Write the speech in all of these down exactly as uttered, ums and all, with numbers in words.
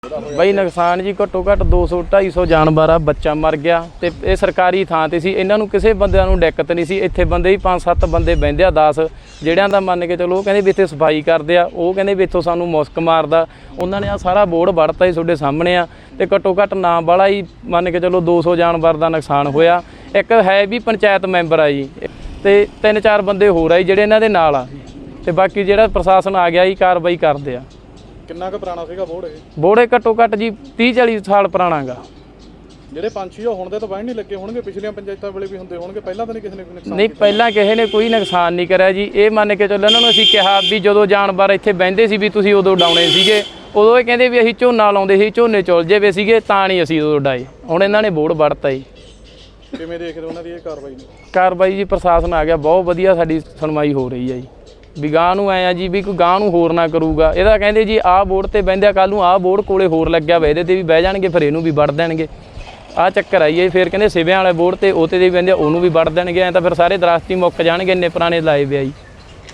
बई नुकसान जी घट्टो घट्ट दो सौ ढाई सौ जानवर आ, बच्चा मर गया। तो ये सरकारी थां ते सी, इन्हां नूं किसी बंदे नूं दिक्कत नहीं सी। इत्थे बंदे ही पांच सत्त बंदे बहिंदे आ, दस जिहड़ियां दा मन के चलो कहंदे भी इत्थे सफाई करदे आ, ओह कहंदे भी इत्थों सानूं मुस्क मारदा। उन्हां ने आ सारा बोर्ड वड़ता ही तुहाडे सामने आ। ते घट्टो घट्ट ना वाला ही मन के चलो दो सौ जानवर दा नुकसान होया। एक है भी पंचायत मैंबर आ जी, ते तीन चार बंदे होर आ जी जिहड़े इन्हां दे नाल आ, ते बाकी जिहड़ा प्रशासन आ गया जी कार्रवाई करदे आ। किन्ना क पुराना सीगा बोर्ड ਇਹ बोर्ड घट्टो घट्ट जी तीह चाली साल पुराना गा। ਜਿਹੜੇ ਪੰਛੀ ਉਹ ਹੁਣ ਦੇ ਤਾਂ ਬਾਹਰ ਨਹੀਂ ਲੱਗੇ ਹੋਣਗੇ, ਪਿਛਲੀਆਂ ਪੰਚਾਇਤਾਂ ਵੇਲੇ ਵੀ ਹੁੰਦੇ ਹੋਣਗੇ, ਪਹਿਲਾਂ ਤਾਂ ਨਹੀਂ ਕਿਸੇ ਨੇ ਕੋਈ ਨੁਕਸਾਨ नहीं पहला किसी ने कोई नुकसान नहीं करा जी। ये मन के चलो इन्होंने असीं कहा भी जो जानवर इत्थे बहिंदे सी भी तुसीं उदों डाउणे सीगे, उदों ये कहंदे भी असीं झोना लाउंदे सी, झोने चुल जावे सीगे तां नहीं असीं उदों डाए। हुण इन्हां ने बोर्ड वड़ता जी। ਕਿਵੇਂ ਦੇਖਦੇ ਉਹਨਾਂ ਦੀ ਇਹ ਕਾਰਵਾਈ ਨੂੰ? कार्रवाई जी प्रशासन आ गया, बहुत वधिया साडी सुनवाई हो रही है जी। भी गां नूं आए आ जी भी कोई गां नूं होर ना करूगा। इहदा कहंदे जी आह बोर्ड ते बहिंदे आ, कल नूं आह बोर्ड कोले होर लग्या वा, इहदे ते भी बह जाणगे, फिर इहनूं भी वड़ देणगे। आ चक्कर आई है। फिर कहंदे सिविਆਂ वाले बोर्ड ते ओते ते भी बहिंदे ਉਹਨੂੰ ਵੀ ਵੜ ਦੇਣਗੇ। ਐਂ ਤਾਂ ਫਿਰ ਸਾਰੇ ਦਰਖਤ ਹੀ ਮੁੱਕ ਜਾਣਗੇ, ਇੰਨੇ ਪੁਰਾਣੇ ਲਾਏ ਵੇ ਆ ਜੀ।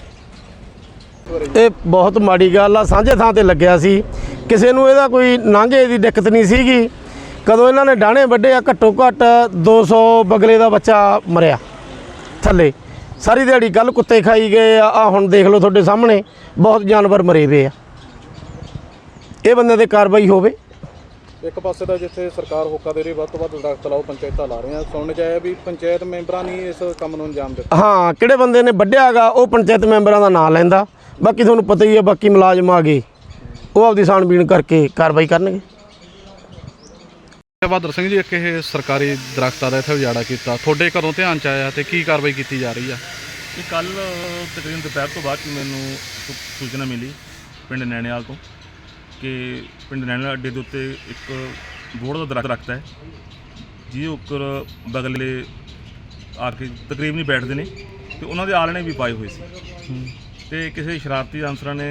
ਇਹ ਬਹੁਤ ਮਾੜੀ ਗੱਲ ਆ। ਸਾਂਝੇ ਥਾਂ ਤੇ ਲੱਗਿਆ ਸੀ, ਕਿਸੇ ਨੂੰ ਇਹਦਾ ਕੋਈ ਲਾਂਘੇ ਦੀ ਦਿੱਕਤ ਨਹੀਂ ਸੀਗੀ। ਕਦੋਂ ਇਹਨਾਂ ਨੇ ਡਾਣੇ ਵੱਢੇ ਆ, ਘੱਟੋ ਘੱਟ ਦੋ ਸੌ ਬਗਲੇ ਦਾ ਬੱਚਾ ਮਰਿਆ ਥੱਲੇ। ਸਾਰੀ ਦਿਹਾੜੀ ਕੱਲ੍ਹ ਕੁੱਤੇ ਖਾਈ ਗਏ ਆ, ਆ ਹੁਣ ਦੇਖ ਲਓ ਤੁਹਾਡੇ ਸਾਹਮਣੇ ਬਹੁਤ ਜਾਨਵਰ ਮਰੇ ਵੇ ਆ। ਇਹ ਬੰਦੇ 'ਤੇ ਕਾਰਵਾਈ ਹੋਵੇ। ਇੱਕ ਪਾਸੇ ਤਾਂ ਜਿੱਥੇ ਸਰਕਾਰ ਹੋਕਾ ਦੇ ਰਹੀ ਵੱਧ ਤੋਂ ਵੱਧ ਦਰਖਤ ਲਾਓ, ਪੰਚਾਇਤਾਂ ਲਾ ਰਹੀਆਂ, ਸੁਣਨ 'ਚ ਆਇਆ ਵੀ ਪੰਚਾਇਤ ਮੈਂਬਰਾਂ ਨੇ ਇਸ ਕੰਮ ਨੂੰ ਅੰਜਾਮ ਦਿੱਤਾ। ਹਾਂ, ਕਿਹੜੇ ਬੰਦੇ ਨੇ ਵੱਢਿਆ ਗਾ ਉਹ ਪੰਚਾਇਤ ਮੈਂਬਰਾਂ ਦਾ ਨਾਂ ਲੈਂਦਾ। ਬਾਕੀ ਤੁਹਾਨੂੰ ਪਤਾ ਹੀ ਆ, ਬਾਕੀ ਮੁਲਾਜ਼ਮ ਆ ਗਏ, ਉਹ ਆਪਦੀ ਛਾਣਬੀਣ ਕਰਕੇ ਕਾਰਵਾਈ ਕਰਨਗੇ। ਬਹਾਦਰ ਸਿੰਘ ਜੀ, ਇੱਕ ਇਹ ਸਰਕਾਰੀ ਦਰਖਤਾਂ ਦਾ ਇੱਥੇ ਉਜਾੜਾ ਕੀਤਾ, ਤੁਹਾਡੇ ਕਦੋਂ ਧਿਆਨ 'ਚ ਆਇਆ ਤੇ ਕੀ ਕਾਰਵਾਈ ਕੀਤੀ ਜਾ ਰਹੀ ਆ? ਇਹ ਕੱਲ੍ਹ ਤਕਰੀਬਨ ਦੁਪਹਿਰ ਤੋਂ ਬਾਅਦ ਮੈਨੂੰ ਸੂਚਨਾ ਮਿਲੀ ਪਿੰਡ ਨੈਣੇਵਾਲ ਤੋਂ ਕਿ ਪਿੰਡ ਨੈਣੇਵਾਲ ਅੱਡੇ ਦੇ ਉੱਤੇ ਇੱਕ ਬੋਹੜ ਦਾ ਦਰਖਤ ਹੈ, ਜਿਹਦੇ ਉੱਪਰ ਬਗਲੇ ਆ ਕੇ ਤਕਰੀਬਨ ਬੈਠਦੇ ਨੇ ਅਤੇ ਉਹਨਾਂ ਦੇ ਆਲਣੇ ਵੀ ਪਾਏ ਹੋਏ ਸੀ। ਅਤੇ ਕਿਸੇ ਸ਼ਰਾਰਤੀ ਅਨਸਰਾਂ ਨੇ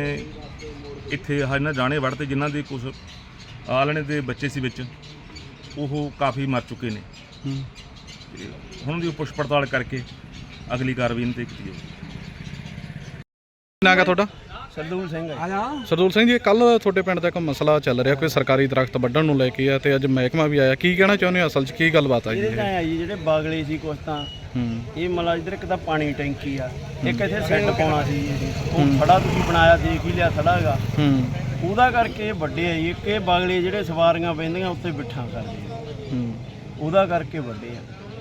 ਇੱਥੇ ਇਹਨਾਂ ਜਾਣੇ ਵੜ੍ਹਤੇ, ਜਿਨ੍ਹਾਂ ਦੇ ਕੁਛ ਆਲਣੇ ਦੇ ਬੱਚੇ ਸੀ ਵਿੱਚ, ਉਹ ਕਾਫੀ ਮਰ ਚੁੱਕੇ ਨੇ। ਅਤੇ ਹੁਣ ਦੀ ਪੁੱਛ ਪੜਤਾਲ ਕਰਕੇ ਅਗਲੀ ਕਾਰਵਾਈ ਇਹਨਾਂ 'ਤੇ ਕੀਤੀ ਜਾਊਗੀ। ਕੀ ਨਾਂ ਗਾ ਤੁਹਾਡਾ? ਸਰਦੂਲ ਸਿੰਘ ਸਰਦੂਲ ਸਿੰਘ ਜੀ, ਕੱਲ੍ਹ ਤੁਹਾਡੇ ਪਿੰਡ ਦਾ ਇੱਕ ਮਸਲਾ ਚੱਲ ਰਿਹਾ, ਕੋਈ ਸਰਕਾਰੀ ਦਰਖਤ ਵੱਢਣ ਨੂੰ ਲੈ ਕੇ ਆ, ਤੇ ਅੱਜ ਮਹਿਕਮਾ ਵੀ ਆਇਆ। ਕੀ ਕਹਿਣਾ ਚਾਹੁੰਦੇ ਹੋ, ਅਸਲ 'ਚ ਕੀ ਗੱਲਬਾਤ ਆ ਜੀ? ਇਹਦੇ ਤਾਂ ਆ ਜੀ, ਜਿਹੜੇ ਬਾਗਲੇ ਸੀ ਕੁਛ ਤਾਂ ਇਹ ਮਤਲਬ ਇੱਧਰ ਇੱਕ ਤਾਂ ਪਾਣੀ ਟੈਂਕੀ ਆ, ਇੱਕ ਇੱਥੇ ਸੈੱਟ ਪਾਉਣਾ ਸੀ ਜੀ, ਉਹ ਖੜਾ ਤੁਸੀਂ ਬਣਾਇਆ ਦੇਖ ਹੀ ਲਿਆ ਖੜਾ ਹੈਗਾ, ਉਹਦਾ ਕਰਕੇ ਵੱਡੇ ਆ ਜੀ। ਇੱਕ ਇਹ ਬਾਗਲੇ ਜਿਹੜੇ ਸਵਾਰੀਆਂ ਬਹਿੰਦੀਆਂ ਉੱਤੇ ਬਿਠਾ ਕਰਦੇ ਆ, ਉਹਦਾ ਕਰਕੇ ਵੱਡੇ ਆ।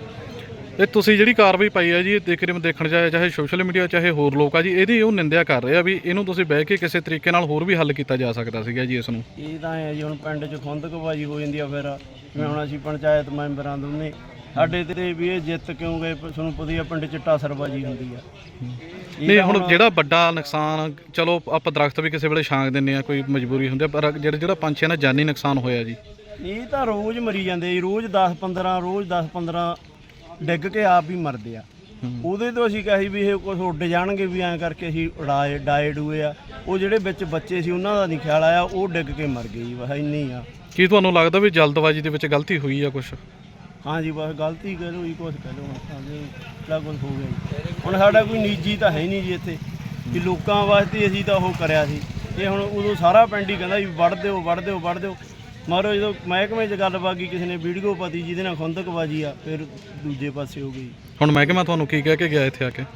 ਇਹ ਤੁਸੀਂ ਜਿਹੜੀ ਕਾਰਵਾਈ ਪਾਈ ਹੈ ਜੀ, ਦੇਖ ਰਹੇ ਦੇਖਣ ਚਾਹੇ ਚਾਹੇ ਸੋਸ਼ਲ ਮੀਡੀਆ ਚਾਹੇ ਹੋਰ ਲੋਕ ਆ ਜੀ, ਇਹਦੀ ਉਹ ਨਿੰਦਿਆ ਕਰ ਰਹੇ ਆ ਵੀ ਇਹਨੂੰ ਤੁਸੀਂ ਬਹਿ ਕੇ ਕਿਸੇ ਤਰੀਕੇ ਨਾਲ ਹੋਰ ਵੀ ਹੱਲ ਕੀਤਾ ਜਾ ਸਕਦਾ ਸੀਗਾ ਜੀ ਇਸ ਨੂੰ। ਇਹ ਤਾਂ ਹੈ ਜੀ, ਹੁਣ ਪਿੰਡ 'ਚ ਖੁੰਦਕਬਾਜ਼ੀ ਹੋ ਜਾਂਦੀ ਆ। ਫਿਰ ਜਿਵੇਂ ਹੁਣ ਅਸੀਂ ਪੰਚਾਇਤ ਮੈਂਬਰਾਂ ਦੋਨੇ ਸਾਡੇ ਤੇ ਵੀ ਇਹ ਜਿੱਤ ਕਿਉਂ ਗਏ, ਤੁਹਾਨੂੰ ਪਤਾ ਹੀ ਆ ਪਿੰਡ 'ਚ ਟਾਸਰਬਾਜ਼ੀ ਹੁੰਦੀ ਆ। ਨਹੀਂ, ਹੁਣ ਜਿਹੜਾ ਵੱਡਾ ਨੁਕਸਾਨ, ਚਲੋ ਆਪਾਂ ਦਰਖਤ ਵੀ ਕਿਸੇ ਵੇਲੇ ਛਾਂਗ ਦਿੰਦੇ ਆ, ਕੋਈ ਮਜਬੂਰੀ ਹੁੰਦੀ ਆ, ਪਰ ਜਿਹੜਾ ਜਿਹੜਾ ਪੰਛੀਆਂ ਦਾ ਜਾਨੀ ਨੁਕਸਾਨ ਹੋਇਆ ਜੀ, ਇਹ ਤਾਂ ਰੋਜ਼ ਮਰੀ ਜਾਂਦੇ ਜੀ, ਰੋਜ਼ ਦਸ ਪੰਦਰਾਂ ਰੋਜ਼ ਦਸ ਪੰਦਰਾਂ ਡਿੱਗ ਕੇ ਆਪ ਹੀ ਮਰਦੇ ਆ। ਉਹਦੇ ਤੋਂ ਅਸੀਂ ਕਿਹਾ ਸੀ ਵੀ ਇਹ ਕੁਛ ਉੱਡ ਜਾਣਗੇ, ਵੀ ਐਂ ਕਰਕੇ ਅਸੀਂ ਉਡਾਏ ਡਾਏ ਡੂਏ ਆ। ਉਹ ਜਿਹੜੇ ਵਿੱਚ ਬੱਚੇ ਸੀ ਉਹਨਾਂ ਦਾ ਨਹੀਂ ਖਿਆਲ ਆਇਆ, ਉਹ ਡਿੱਗ ਕੇ ਮਰ ਗਏ ਜੀ, ਬਸ ਇੰਨੀ ਆ। ਕੀ ਤੁਹਾਨੂੰ ਲੱਗਦਾ ਵੀ ਜਲਦਬਾਜ਼ੀ ਦੇ ਵਿੱਚ ਗਲਤੀ ਹੋਈ ਆ ਕੁਛ? ਹਾਂ ਜੀ, ਬਸ ਗਲਤੀ ਕਹਿ ਲਓ ਜੀ, ਕੁਛ ਕਹਿ ਲਓ, ਬੜਾ ਕੁਛ ਹੋ ਗਿਆ ਜੀ। ਹੁਣ ਸਾਡਾ ਕੋਈ ਨਿੱਜੀ ਤਾਂ ਹੈ ਨਹੀਂ ਜੀ ਇੱਥੇ, ਕਿ ਲੋਕਾਂ ਵਾਸਤੇ ਅਸੀਂ ਤਾਂ ਉਹ ਕਰਿਆ ਸੀ। ਇਹ ਹੁਣ ਉਦੋਂ ਸਾਰਾ ਪਿੰਡ ਹੀ ਕਹਿੰਦਾ ਵੀ ਵੱਢ ਦਿਓ ਵੱਢ ਦਿਓ ਵੱਢ ਦਿਓ, ਮਗਰੋਂ ਜਦੋਂ ਮਹਿਕਮੇ 'ਚ ਗੱਲ ਬਾਗੀ ਕਿਸੇ ਨੇ ਵੀਡੀਓ ਪਾਤੀ ਜਿਹਦੇ ਨਾਲ ਖੁੰਦਕਬਾਜ਼ੀ ਆ, ਫਿਰ ਦੂਜੇ ਪਾਸੇ ਹੋ ਗਈ। ਹੁਣ ਮਹਿਕਮਾ ਤੁਹਾਨੂੰ ਕੀ ਕਹਿ ਕੇ ਗਿਆ ਇੱਥੇ ਆ ਕੇ?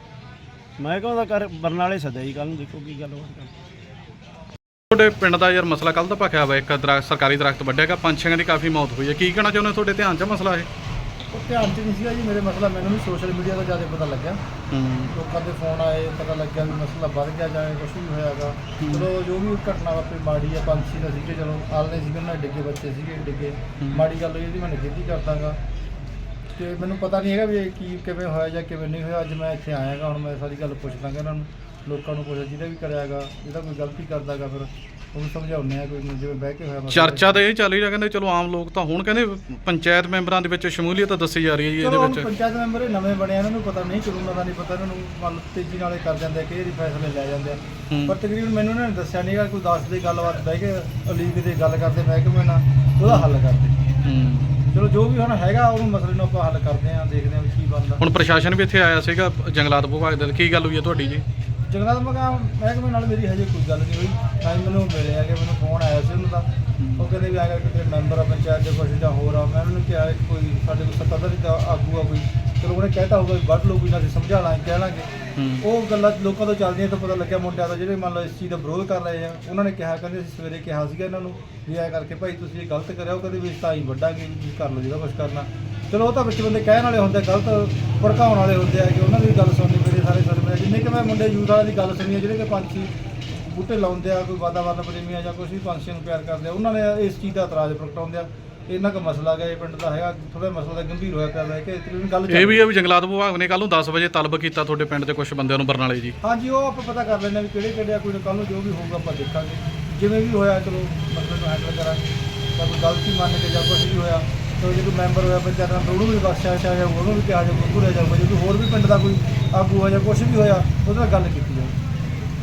ਮਹਿਕਮਾ ਦਾ ਕਰ ਬਰਨਾਲੇ ਸੱਦਿਆ ਜੀ, ਕੱਲ੍ਹ ਨੂੰ ਦੇਖੋ ਕੀ ਗੱਲਬਾਤ ਕਰ। ਤੁਹਾਡੇ ਪਿੰਡ ਦਾ ਯਾਰ ਮਸਲਾ ਕੱਲ੍ਹ ਦਾ ਭਖਿਆ ਵਾ, ਇੱਕ ਦਰਖਤ ਸਰਕਾਰੀ ਦਰਖਤ ਵੱਢਿਆ, ਪੰਛੀਆਂ ਦੀ ਕਾਫੀ ਮੌਤ ਹੋਈ ਹੈ, ਕੀ ਕਹਿਣਾ ਚਾਹੁੰਦੇ ਹੋ? ਤੁਹਾਡੇ ਧਿਆਨ 'ਚ ਮਸਲਾ ਇਹ? ਉਹ ਧਿਆਨ 'ਚ ਨਹੀਂ ਸੀਗਾ ਜੀ ਮੇਰੇ ਮਸਲਾ, ਮੈਨੂੰ ਵੀ ਸੋਸ਼ਲ ਮੀਡੀਆ ਤੋਂ ਜ਼ਿਆਦਾ ਪਤਾ ਲੱਗਿਆ। ਲੋਕਾਂ ਦੇ ਫੋਨ ਆਏ, ਪਤਾ ਲੱਗਿਆ ਵੀ ਮਸਲਾ ਵੱਧ ਗਿਆ ਜਾਂ ਕੁਛ ਵੀ ਹੋਇਆਗਾ। ਚਲੋ ਜੋ ਵੀ ਘਟਨਾ ਵਾਪਰੀ ਮਾੜੀ ਆ, ਪੰਛੀ ਦਾ ਸੀਗੇ, ਚਲੋ ਆਲਣੇ ਸੀਗੇ, ਉਹਨਾਂ ਡਿੱਗੇ ਬੱਚੇ ਸੀਗੇ ਡਿੱਗੇ, ਮਾੜੀ ਗੱਲ ਹੋਈ, ਇਹਦੀ ਮੈਂ ਨਿਖੇਧੀ ਕਰਦਾਗਾ। ਅਤੇ ਮੈਨੂੰ ਪਤਾ ਨਹੀਂ ਹੈਗਾ ਵੀ ਇਹ ਕੀ ਕਿਵੇਂ ਹੋਇਆ ਜਾਂ ਕਿਵੇਂ ਨਹੀਂ ਹੋਇਆ। ਅੱਜ ਮੈਂ ਇੱਥੇ ਆਇਆਗਾ, ਹੁਣ ਮੈਂ ਸਾਰੀ ਗੱਲ ਪੁੱਛ ਦਾਂਗਾ ਇਹਨਾਂ ਨੂੰ, ਲੋਕਾਂ ਨੂੰ ਪੁੱਛ ਜਿਹਦਾ ਵੀ ਕਰਿਆਗਾ, ਜਿਹਦਾ ਕੋਈ ਗਲਤੀ ਕਰਦਾਗਾ ਫਿਰ ਉਹਨੂੰ ਸਮਝਾਉਂਦੇ ਆ, ਕੋਈ ਜਿਵੇਂ ਬਹਿ ਕੇ ਹੋਇਆ। ਚਰਚਾ ਤਾਂ ਇਹ ਚੱਲ ਹੀ ਰਿਹਾ, ਕਹਿੰਦੇ ਚਲੋ ਆਮ ਲੋਕ ਤਾਂ ਹੁਣ ਕਹਿੰਦੇ ਪੰਚਾਇਤ ਮੈਂਬਰਾਂ ਦੇ ਵਿੱਚ ਸ਼ਮੂਲੀਅਤ ਦੱਸੀ ਜਾ ਰਹੀ ਹੈ ਜੀ ਇਹਦੇ ਵਿੱਚ। ਪੰਚਾਇਤ ਮੈਂਬਰ ਇਹ ਨਵੇਂ ਬਣੇ, ਇਹਨਾਂ ਨੂੰ ਪਤਾ ਨਹੀਂ, ਕਾਨੂੰਨਾਂ ਦਾ ਨਹੀਂ ਪਤਾ, ਇਹਨਾਂ ਨੂੰ ਮਨ ਤੇਜ਼ੀ ਨਾਲ ਕਰ ਜਾਂਦੇ, ਕਈ ਵਾਰੀ ਫੈਸਲੇ ਲੈ ਜਾਂਦੇ ਆ। ਪਰ ਤਕਰੀਬਨ ਮੈਨੂੰ ਇਹਨਾਂ ਨੇ ਦੱਸਿਆ ਨਹੀਂ ਗਾ, ਕੋਈ ਦੱਸਦੇ ਗੱਲਬਾਤ ਬਹਿ ਕੇ ਅਲੀਗ ਦੇ ਗੱਲ ਕਰਦੇ ਮਹਿਕਮੇ ਨਾਲ, ਉਹਦਾ ਹੱਲ ਕਰਦੇ। ਚਲੋ ਜੋ ਵੀ ਹੁਣ ਹੈਗਾ ਉਹਨੂੰ ਮਸਲੇ ਨੂੰ ਆਪਾਂ ਹੱਲ ਕਰਦੇ ਹਾਂ, ਦੇਖਦੇ ਹਾਂ ਵੀ ਕੀ ਬਣਦਾ। ਹੁਣ ਪ੍ਰਸ਼ਾਸਨ ਵੀ ਇੱਥੇ ਆਇਆ ਸੀਗਾ, ਜੰਗਲਾਤ ਵਿਭਾਗ ਦਾ, ਕੀ ਗੱਲ ਹੋਈ ਹੈ ਤੁਹਾਡੀ ਜੀ? ਜੰਗਲਾਤ ਮਹਿਕਮੇ ਨਾਲ ਮੇਰੀ ਹਜੇ ਕੋਈ ਗੱਲ ਨਹੀਂ ਹੋਈ, ਨਾ ਹੀ ਮੈਨੂੰ ਮਿਲੇ ਹੈਗੇ, ਮੈਨੂੰ ਫੋਨ ਆਇਆ ਸੀ ਉਹਨਾਂ ਦਾ ਉਹ ਕਹਿੰਦੇ ਵੀ ਆ ਕਰਕੇ ਜਿਹੜੇ ਮੈਂਬਰ ਆ ਪੰਚਾਇਤ ਦੇ ਕੁਛ ਜਾਂ ਹੋਰ ਆ, ਮੈਂ ਉਹਨਾਂ ਨੂੰ ਕਿਹਾ ਕਿ ਕੋਈ ਸਾਡੇ ਕੋਲ ਸੱਤਾਧਾਰੀ ਦਾ ਆਗੂ ਆ ਕੋਈ, ਚਲੋ ਉਹਨੇ ਕਹਿਤਾ ਹੋਊਗਾ ਵੀ ਵੱਢ ਲਓ, ਕੋਈ ਨਾ ਅਸੀਂ ਸਮਝਾ ਲਾਂਗੇ ਕਹਿ ਲਾਂਗੇ। ਉਹ ਗੱਲਾਂ ਲੋਕਾਂ ਤੋਂ ਚੱਲਦੀਆਂ ਤਾਂ ਪਤਾ ਲੱਗਿਆ ਮੁੰਡਿਆਂ ਦਾ ਜਿਹੜੇ ਮੰਨ ਲਓ ਇਸ ਚੀਜ਼ ਦਾ ਵਿਰੋਧ ਕਰ ਰਹੇ ਆ, ਉਹਨਾਂ ਨੇ ਕਿਹਾ ਕਹਿੰਦੇ ਅਸੀਂ ਸਵੇਰੇ ਕਿਹਾ ਸੀਗਾ ਇਹਨਾਂ ਨੂੰ ਵੀ ਐਂ ਕਰਕੇ ਭਾਈ ਤੁਸੀਂ ਇਹ ਗਲਤ ਕਰਿਆ, ਉਹ ਕਹਿੰਦੇ ਵੀ ਤਾਂ ਹੀ ਵੱਢਾਂਗੇ, ਤੁਸੀਂ ਕਰ ਲਓ ਜਿਹੜਾ ਕੁਛ ਕਰਨਾ। ਚਲੋ ਉਹ ਤਾਂ ਵਿੱਚ ਬੰਦੇ ਕਹਿਣ ਵਾਲੇ ਹੁੰਦੇ, ਗਲਤ ਭੜਕਾਉਣ ਵਾਲੇ ਹੁੰਦੇ ਆ ਕਿ ਉਹਨਾਂ ਦੀ ਗੱਲ ਸੁਣਨੀ ਮੇਰੇ ਸਾਰੇ ਸਰਵੇ ਜਿੰਨੇ ਕਿ ਮੈਂ ਮੁੰਡੇ ਯੂਥ ਵਾਲਿਆਂ ਦੀ ਗੱਲ ਸੁਣੀ ਹੈ, ਜਿਹੜੇ ਕਿ ਪੰਛੀ ਬੂਟੇ ਲਾਉਂਦੇ ਆ, ਕੋਈ ਵਾਤਾਵਰਨ ਪ੍ਰੇਮੀ ਆ ਜਾਂ ਕੁਛ ਵੀ ਪੰਛੀਆਂ ਨੂੰ ਪਿਆਰ ਕਰਦੇ ਆ, ਉਹਨਾਂ ਨੇ ਇਸ ਚੀਜ਼ ਦਾ ਇਤਰਾਜ਼ ਪ੍ਰਗਟਾਉਂਦੇ ਆ। ਇਹਨਾਂ ਦਾ ਮਸਲਾ ਗਿਆ ਇਹ ਪਿੰਡ ਦਾ ਹੈਗਾ, ਥੋੜਾ ਮਸਲਾ ਦਾ ਗੰਭੀਰ ਹੋਇਆ ਪਿਆ ਹੈ ਕਿ ਤਕਰੀਬਨ ਗੱਲ ਇਹ ਵੀ ਹੈ ਵੀ ਜੰਗਲਾਤ ਵਿਭਾਗ ਨੇ ਕੱਲ ਨੂੰ ਦਸ ਵਜੇ ਤਲਬ ਕੀਤਾ ਤੁਹਾਡੇ ਪਿੰਡ ਦੇ ਕੁਝ ਬੰਦਿਆਂ ਨੂੰ ਬਰਨਾਲੇ ਜੀ। ਹਾਂਜੀ, ਉਹ ਆਪਾਂ ਪਤਾ ਕਰ ਲੈਂਦੇ ਵੀ ਕਿਹੜੇ ਕਿਹੜੇ ਆ, ਕੋਈ ਕੱਲ ਨੂੰ ਜੋ ਵੀ ਹੋਊਗਾ ਆਪਾਂ ਦੇਖਾਂਗੇ, ਜਿਵੇਂ ਵੀ ਹੋਇਆ ਚਲੋ ਮਸਲੇ ਨੂੰ ਹੈਂਡਲ ਕਰਾਂਗੇ। ਤਾਂ ਕੋਈ ਗਲਤੀ ਮੰਨ ਕੇ ਜਾਂ ਕੁਛ ਵੀ ਹੋਇਆ ਤਾਂ ਜੇ ਕੋਈ ਮੈਂਬਰ ਹੋਇਆ ਪੰਚਾਇਤ ਦਾ ਉਹਨੂੰ ਵੀ ਬਖਸ਼ਿਆ ਜਾਊਗਾ, ਉਹਨੂੰ ਵੀ ਕਿਹਾ ਜਾਊਗਾ, ਭੁਰਿਆ ਜਾਊਗਾ। ਜੇ ਕੋਈ ਹੋਰ ਵੀ ਪਿੰਡ ਦਾ ਕੋਈ ਆਗੂ ਹੋਇਆ ਜਾਂ ਕੁਛ ਵੀ ਹੋਇਆ ਉਹਦੇ ਨਾਲ ਗੱਲ ਕੀਤੀ